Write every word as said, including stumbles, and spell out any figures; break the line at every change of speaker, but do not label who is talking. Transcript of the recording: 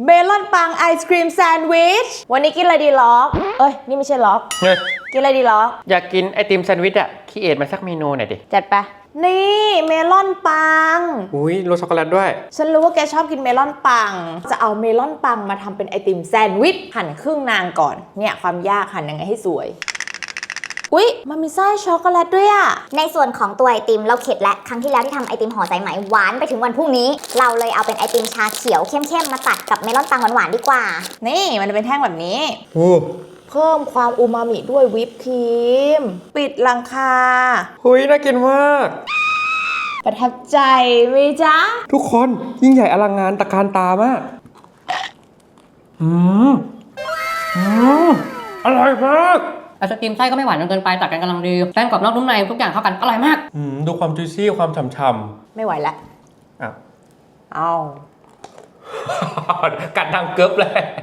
เมลอนปังไอศครีมแซนด์วิชวันนี้กินอะไรดีล็อกเอ้ยนี่ไม่ใช่ล็อกกินอะไรดีล็อก
อยากกินไอติมแซนด์วิชอะคิดเอทมาสักเมนูหน่อยดิ
จัดไปนี่เมลอนปัง
อุ้ยรสช็อกโกแลตด้วย
ฉันรู้ว่าแกชอบกินเมลอนปังจะเอาเมลอนปังมาทำเป็นไอติมแซนด์วิชหั่นครึ่งนางก่อนเนี่ยความยากหั่นยังไงให้สวยอุ๊ยมันมีไส้ช็อกโกแลตด้วยอะ
ในส่วนของตัวไอติมเราเข็ดและครั้งที่แล้วที่ทำไอติมห่อสายไหมหวานไปถึงวันพรุ่งนี้เราเลยเอาเป็นไอติมชาเขียวเข้มๆมาตัดกับเมลอนปังหวานๆดีกว่า
นี่มันจะเป็นแท่งแบบนี้
โอ้
เพิ่มความอูมามิด้วยวิปครีมปิดหลังคา
หุยน่ากินมาก
ประทับใจไหมจ๊ะ
ทุกคนยิ่งใหญ่อลังงานตะการตามากอืมอืมอร่อยมาก
ไอศกรีมไส้ก็ไม่หวานจนเกินไปตัดกันกำลังดีแป้งกรอบนอกนุ่มในทุกอย่างเข้ากันอร่อยมาก
อืมดูความจุยซี่ความฉ่ำ
ๆไม่ไหวแล้ว
อ้าว
เอา
กัดดังเกิบเลย